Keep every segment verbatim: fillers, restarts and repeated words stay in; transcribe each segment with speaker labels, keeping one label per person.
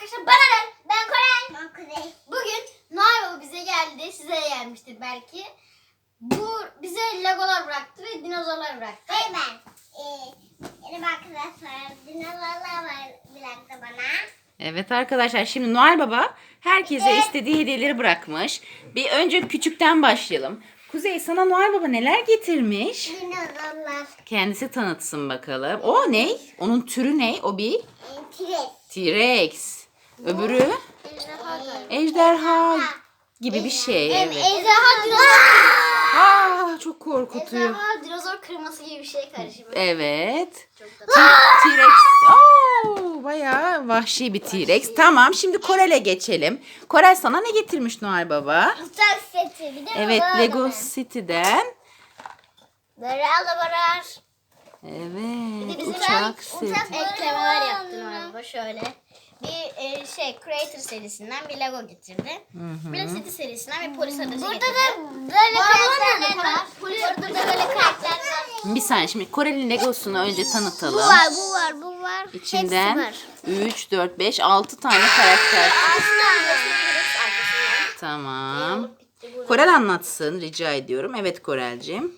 Speaker 1: arkadaşlar bana ne? Ben Korel. Ben Kuzey. Bugün Noel Baba bize geldi. Size de gelmiştir belki. Bu bize legolar bıraktı ve dinozorlar bıraktı.
Speaker 2: Hayır ben. Ee, benim arkadaşlar dinozorlar var bıraktı bana.
Speaker 3: Evet arkadaşlar, şimdi Noel Baba herkese
Speaker 2: Evet.
Speaker 3: istediği hediyeleri bırakmış. Bir önce küçükten başlayalım. Kuzey, sana Noel Baba neler getirmiş?
Speaker 2: Dinozorlar.
Speaker 3: Kendisi tanıtsın bakalım. O ne? Onun türü ne? O bir
Speaker 2: E, T-Rex.
Speaker 3: T-Rex. Öbürü
Speaker 1: Ejderha galiba.
Speaker 3: ejderha gibi bir şey.
Speaker 1: Evet.
Speaker 3: Evet.
Speaker 1: Ejderha dinozor.
Speaker 3: Aa, çok korkutuyor.
Speaker 1: Ejderha dinozor kırması gibi bir şey karışımı.
Speaker 3: Evet.
Speaker 1: Çok da
Speaker 3: T- T-Rex. Oo, bayağı vahşi bir T-Rex. Tamam, şimdi Korel'e geçelim. Korel, sana ne getirmiş Noel Baba?
Speaker 2: Uçak seti. Bir de
Speaker 3: Evet,
Speaker 2: baba
Speaker 3: Lego
Speaker 2: adamı.
Speaker 3: City'den.
Speaker 2: Böyle alabalar.
Speaker 3: Evet,
Speaker 1: Bizim
Speaker 3: uçak
Speaker 1: uçak
Speaker 3: seti.
Speaker 1: eklemeler yaptı Noel Baba şöyle. Bir e, şey Creator serisinden bir Lego getirdi. Bir de City serisinden bir polis aracı
Speaker 2: Burada
Speaker 1: getirdi.
Speaker 2: da böyle
Speaker 1: Bu arabalar
Speaker 2: karakterler
Speaker 1: nerede?
Speaker 2: var.
Speaker 1: Polis-
Speaker 2: Burada da böyle karakterler var.
Speaker 3: Bir saniye, şimdi Korel'in Legosunu önce tanıtalım.
Speaker 2: Bu var, bu var, bu var.
Speaker 3: İçinden
Speaker 2: Hepsi var.
Speaker 3: üç, dört, beş, altı tane karakter.
Speaker 1: Aslında gösterebiliriz arkasından.
Speaker 3: Tamam.
Speaker 1: Olup bitti burada.
Speaker 3: Korel anlatsın rica ediyorum. Evet Korel'cim.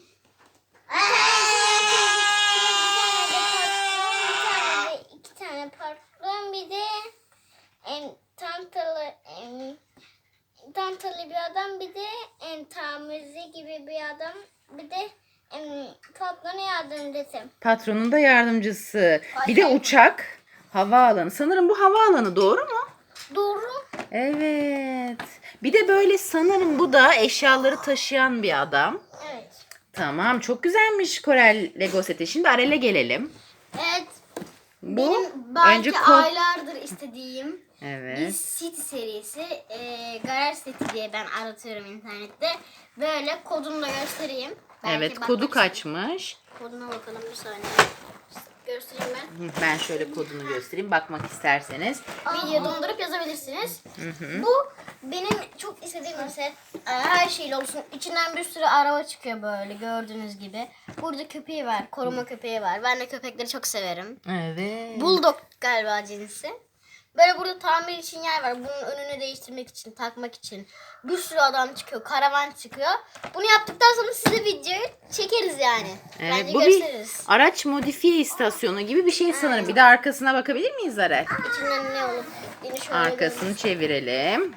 Speaker 2: İki tane parfüm, bir de en tantalı en tantalı bir adam, bir de en tamirci gibi bir adam, bir de en patronun yardımcısı.
Speaker 3: Patronun da yardımcısı. Bir de uçak. Havaalanı. Sanırım bu havaalanı, doğru mu?
Speaker 2: Doğru.
Speaker 3: Evet. Bir de böyle sanırım bu da eşyaları taşıyan bir adam.
Speaker 2: Evet.
Speaker 3: Tamam, çok güzelmiş Korel Lego seti. Şimdi Arel'e gelelim.
Speaker 1: Evet.
Speaker 3: Bu
Speaker 1: Benim belki
Speaker 3: önce kod.
Speaker 1: aylardır istediğim bir
Speaker 3: Evet.
Speaker 1: City serisi. E, Garaj City diye ben aratıyorum internette. Böyle kodunu da göstereyim. Belki
Speaker 3: Evet,
Speaker 1: bakmak
Speaker 3: kodu
Speaker 1: istedim.
Speaker 3: kaçmış?
Speaker 1: Koduna bakalım bir saniye. Göstereyim ben.
Speaker 3: Hı, Ben şöyle kodunu göstereyim bakmak isterseniz.
Speaker 1: Video dondurup yazabilirsiniz. Bu benim çok istediğim bir set. Ee, Her şeyle olsun. İçinden bir sürü araba çıkıyor böyle gördüğünüz gibi. Burada köpeği var. Koruma köpeği var. Ben de köpekleri çok severim.
Speaker 3: Evet.
Speaker 1: Bulldog galiba cinsi. Böyle burada tamir için yer var. Bunun önünü değiştirmek için, takmak için. Bir sürü adam çıkıyor. Karavan çıkıyor. Bunu yaptıktan sonra size videoyu çekeriz yani.
Speaker 3: Evet,
Speaker 1: Bence
Speaker 3: bu bir
Speaker 1: gösteririz.
Speaker 3: araç modifiye istasyonu gibi bir şey sanırım. Bir de arkasına bakabilir miyiz Arel?
Speaker 1: İçinden ne olup yeni şöyle
Speaker 3: Arkasını çevirelim.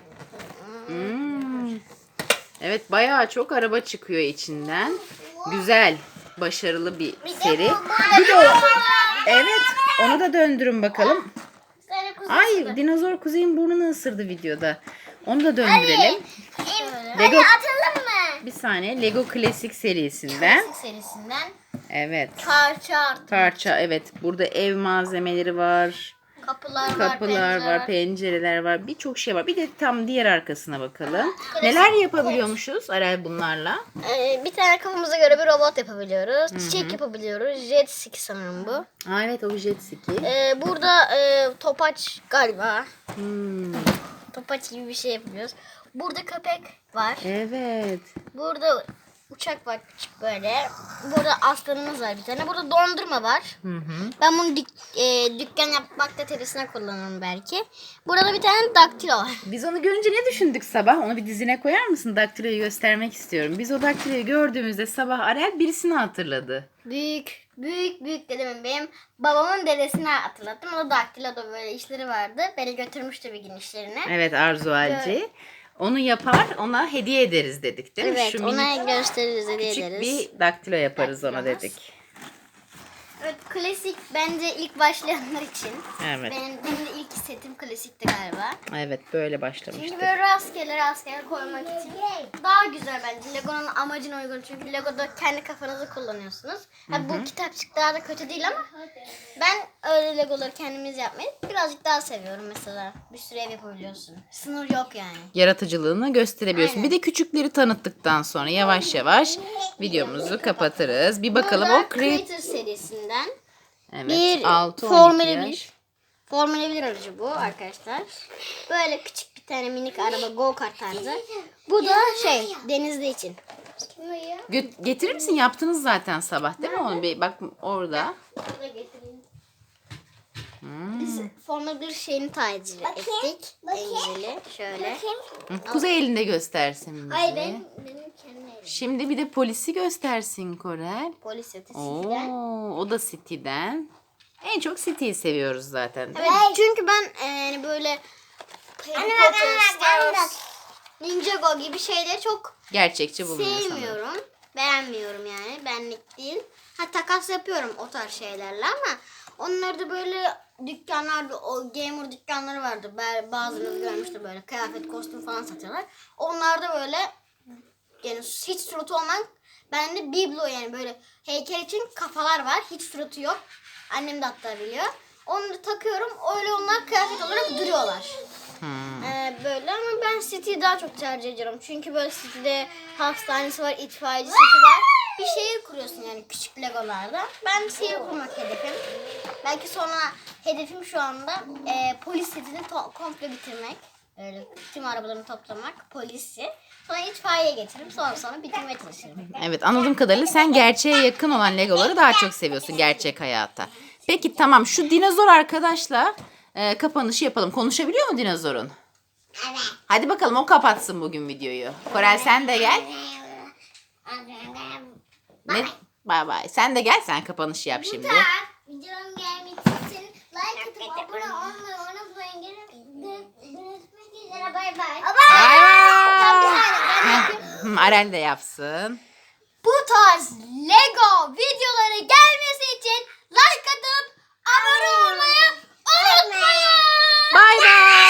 Speaker 3: Hmm. Evet, bayağı çok araba çıkıyor içinden. Güzel, başarılı bir seri. Bir de o- evet, onu da döndürün bakalım.
Speaker 2: Sonra kuzey.
Speaker 3: Ay, dinozor Kuzey'in burnunu ısırdı videoda. Onu da döndürelim.
Speaker 2: Hadi
Speaker 3: Lego,
Speaker 2: atalım mı?
Speaker 3: bir saniye, Lego Klasik serisinden.
Speaker 1: Klasik serisinden
Speaker 3: Evet.
Speaker 1: parça artık.
Speaker 3: Parça, evet. Burada ev malzemeleri var.
Speaker 1: Kapılar var,
Speaker 3: Kapılar
Speaker 1: pencereler
Speaker 3: var, pencereler var. Birçok şey var. Bir de tam diğer arkasına bakalım. Neler yapabiliyormuşuz Arel bunlarla?
Speaker 1: Ee, bir tane kafamıza göre bir robot yapabiliyoruz. Çiçek yapabiliyoruz. Jet ski sanırım bu.
Speaker 3: Aa, evet, o jet ski.
Speaker 1: Ee, burada e, topaç galiba.
Speaker 3: Hmm,
Speaker 1: Topaç gibi bir şey yapıyoruz. Burada köpek var.
Speaker 3: evet.
Speaker 1: Burada uçak var küçük böyle. Burada aslanımız var bir tane. Burada dondurma var.
Speaker 3: Hı hı.
Speaker 1: Ben bunu dük, e, dükkan yapmakta terisine kullanırım belki. Burada da bir tane daktilo var.
Speaker 3: Biz onu görünce ne düşündük sabah? Onu bir dizine koyar mısın? Daktiloyu göstermek istiyorum. Biz o daktiloyu gördüğümüzde sabah Arel birisini hatırladı.
Speaker 1: Büyük, büyük, büyük dedemin benim babamın dedesini hatırlattım. O da daktiloda böyle işleri vardı. Beni götürmüştü bir gün işlerine.
Speaker 3: Evet, Arzu Alci. Onu yapar, ona hediye ederiz dedik değil mi?
Speaker 1: Evet,
Speaker 3: Şu
Speaker 1: ona
Speaker 3: minik
Speaker 1: gösteririz, hediye
Speaker 3: küçük
Speaker 1: ederiz.
Speaker 3: bir daktilo yaparız ona
Speaker 1: Daktilomuz.
Speaker 3: dedik.
Speaker 1: Evet, klasik bence ilk başlayanlar için.
Speaker 3: Evet.
Speaker 1: Benim, benim de ilk setim klasikti galiba.
Speaker 3: Evet, böyle
Speaker 1: Çünkü
Speaker 3: başlamıştık.
Speaker 1: böyle rastgele rastgele koymak için daha güzel bence. Lego'nun amacına uygun. Çünkü Lego'da kendi kafanızı kullanıyorsunuz. Ha, bu kitapçık daha da kötü değil ama ben öyle Legoları kendimiz yapmayı birazcık daha seviyorum mesela. Bir sürü ev yapabiliyorsun. Sınır yok yani.
Speaker 3: Yaratıcılığını gösterebiliyorsun.
Speaker 1: Aynen.
Speaker 3: Bir de küçükleri tanıttıktan sonra yavaş yavaş videomuzu kapatırız. Bir bakalım
Speaker 1: Burada
Speaker 3: o Create.
Speaker 1: Creator serisinden
Speaker 3: Evet,
Speaker 1: bir
Speaker 3: altı on
Speaker 1: Formula
Speaker 3: iki yaş.
Speaker 1: bir. Formula bir aracı bu arkadaşlar. Böyle küçük bir tane minik araba go kart tarzı. Bu da şey denizde için.
Speaker 3: Gö- Getirir misin? Yaptınız zaten sabah değil mi onu? Bir bak orada.
Speaker 1: Burada getireyim. Biz Formula bir şeyini tercih ettik. En güzeli. Şöyle.
Speaker 3: Hı, Kuzey elinde göstersin bize.
Speaker 2: Ay benim, benim kendi evim.
Speaker 3: Şimdi bir de polisi göstersin Korel.
Speaker 1: Polis yatı
Speaker 3: Oo,
Speaker 1: City'den.
Speaker 3: o da City'den. En çok City'yi seviyoruz zaten.
Speaker 1: Evet, çünkü ben e, yani böyle Harry Potter, Star Wars, Ninjago gibi şeyleri çok
Speaker 3: Gerçekçi bulunuyor sanırım.
Speaker 1: sevmiyorum. Beğenmiyorum yani. Benlik değil. Ha takas yapıyorum o tarz şeylerle ama onları da böyle dükkanlarda, o gamer dükkanları vardı. Ben bazılarını görmüştüm böyle kıyafet, kostüm falan satıyorlar. Onlarda böyle yani hiç suratı olmayan, bende biblo yani böyle heykel için kafalar var. Hiç suratı yok. Annem de hatta biliyor. Onu da takıyorum. Öyle onlar kıyafet olarak duruyorlar.
Speaker 3: Hmm.
Speaker 1: Ee, böyle ama ben City'yi daha çok tercih ediyorum. Çünkü böyle City'de hastanesi var, itfaiyecisi var. Bir şehir kuruyorsun yani küçük legolarda. Ben şehir kurmak hedefim. Belki sonra hedefim şu anda e, polis setini to- komple bitirmek. Öyle tüm arabalarını toplamak, polisi. Sonra itfaiye getiririm. Sonra sonra bitirmeye çalışırım.
Speaker 3: Evet, anladığım kadarıyla sen gerçeğe yakın olan Legoları daha çok seviyorsun gerçek hayata. Peki tamam, şu dinozor arkadaşla e, kapanışı yapalım. Konuşabiliyor mu dinozorun?
Speaker 2: Evet.
Speaker 3: Hadi bakalım o kapatsın bugün videoyu. Korel sen de gel. Ne? Bay bay. Sen de gel, sen kapanışı yap şimdi.
Speaker 2: Videom gelmek için like atıp abone olmayı unutmayın. Görüşmek üzere. Bay bay.
Speaker 3: Bay
Speaker 1: Tam bir
Speaker 3: bay.
Speaker 1: saniye ben
Speaker 3: Heh,
Speaker 1: yapayım.
Speaker 3: hı, Aren de yapsın.
Speaker 1: Bu tarz Lego videoları gelmesi için like atıp abone olmayı unutmayın.
Speaker 3: Bay bay.